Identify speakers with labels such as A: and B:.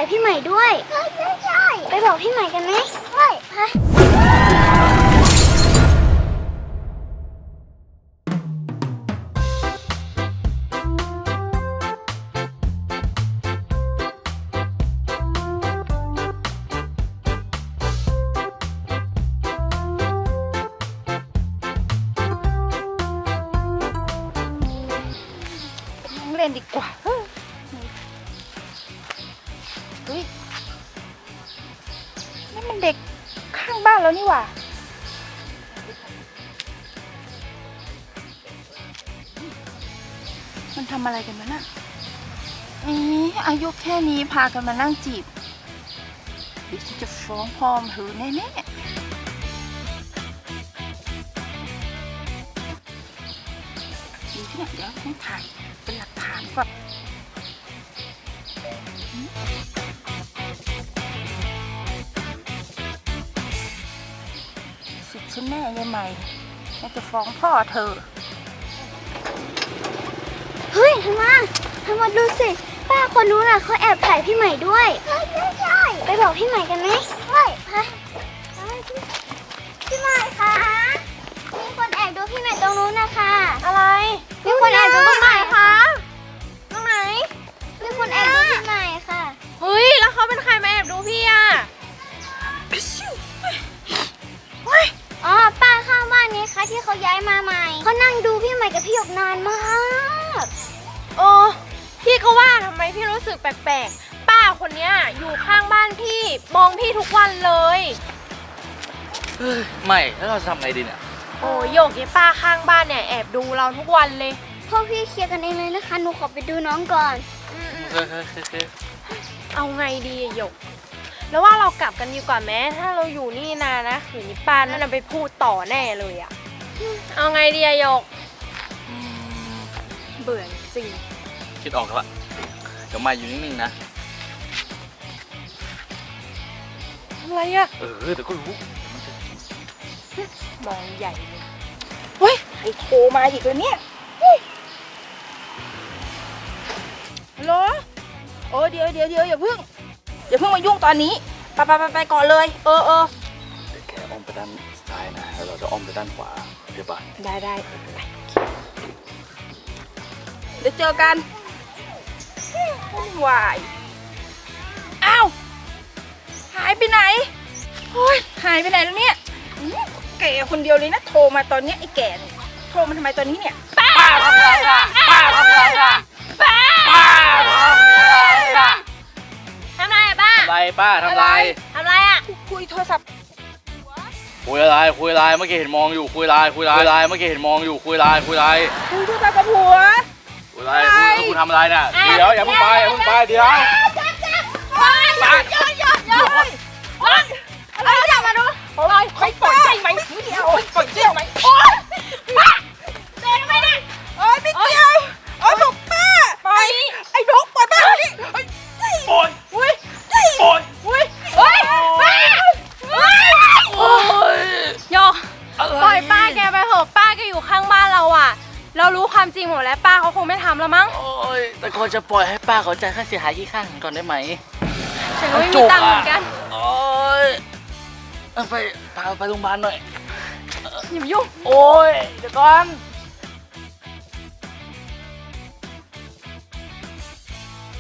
A: ายพี่ใหม่ด้วยใช่ไปบอกพี่ใหม่กันไหมใช่ไป
B: เล่นดีกว่าเฮ้ยนี่มันเด็กข้างบ้านแล้วนี่หว่ามันทำอะไรกันมาน่ะอายุแค่นี้พากันมานั่งจีบเดี๋ยวฉันจะฟ้องพ่อมเธอแน่ๆดีที่ไหนเดี๋ยวต้องถ่ายเป็นหลักฐานก่อนสุดฉันแน่ยังไงฉันจะฟ้องพ่อเธอ
A: เฮ้ยทำมาดูสิป้าคนนู้นน่ะเขาแอบถ่ายพี่ใหม่ด้วยใช่ไปบอกพี่ใหม่กันไหมใช่ไปพี่ใหม่คะมีคนแอบดูพี่ใหม่ตรงนู้นนะคะอะไรมีคนแอบดูพี่ใหม่คะตรงไหนมีคนแอบดูพี่ใหม่ค่ะ
C: เฮ้ยแล้วเขาเป็นใครมาแอบดูพี่อ่ะ
A: อ๋อป้าข้างบ้านนี้ค่ะที่เขาย้ายมาใหม่เขานั่งดูพี่ใหม่กับพี่หยกนานมาก
C: โอ้พี่ก็ว่าทำไมพี่รู้สึกแปลกๆป้าคนเนี้ยอยู่ข้างบ้านพี่มองพี่ทุกวันเลย
D: ไม่แล้วเราจะทำไงดีเนี่ย
C: โอ้โยกไอ้ป้าข้างบ้านเนี่ยแอบดูเราทุกวันเลย
A: พวกพี่เคลียร์กันเองเลยนะคะหนูขอไปดูน้องก่อน
C: เอาไงดีหยกแล้วว่าเรากลับกันดีกว่าแม้ถ้าเราอยู่นี่นานนะขืนนี้ป้านั่นไปพูดต่อแน่เลยอะเอาไงดีหยกเบื่อจริง
D: คิดออกแล้วเดี๋ยวมาอยู่นิ่งๆนะ
C: อะไรอะ
D: เดี๋ยวก็รู้
C: มองใหญ่เลย
B: เฮ้ยใครโทรมาอีกแล้วเนี่ยฮัลโหลเดี๋ยวอย่าเพิ่งมายุ่งตอนนี้ไปก่อนเลย
D: เดี๋ยวแกอ้อมไปด้านซ้ายนะแล้วเราจะอ้อมไปด้านขวาเดี๋ยวป่ะ
C: ได้
B: เดี๋ยวเจอกันวายอ้าวหายไปไหนโอ้ยหายไปไหนแล้วเนี่ยแกคนเดียวเลยนะโทรมาตอนนี้ไอ้แก่โทรมาทำไมตอนนี้เนี่ย
D: ป้าทำไรล่ะป้าทำไรล่ะป้า
C: ทำไรอะป้า
D: ทำไรป้าทำไร
C: อะ
B: คุยโทรศัพท์
D: คุยอะไรเมื่อกี้เห็นมองอยู่คุยอะไรเมื่อกี้เห็นมองอยู่คุยอะไร
B: คุยโทรศัพท์กับผัว
D: คุยอะไรคุณทำอะไรน่ะเดี๋ยวอย่าเพิ่งไปเดี๋ยว
C: อะไรจับมาดู
B: ไปปล่อยใจไหมไม่เดียวปล่อยเจี้ยวไหม
C: โอ๊ยป้าเดินไปนะ
B: ไม่เกี่ยวถูกป้าไอ้นกปล่อยป้าดิ
D: โอ๊ย
C: โยปล่อยป้าแกไปเถอะป้าแกอยู่ข้างบ้านเราอ่ะเรารู้ความจริงหมดแล้วป้าเขาคงไม่ทำแล้วมั้ง
D: แต่ก่อนจะปล่อยให้ป้าเขาจ่ายค่าเสียหายที่ข้างก่อนได้ไหม
C: ฉันก็ไม่มีตังค์เหมือนกัน
D: ไปโรงพยาบาลหน่อย
C: อย่ามายุ่ง
D: เดี๋ยวก่อน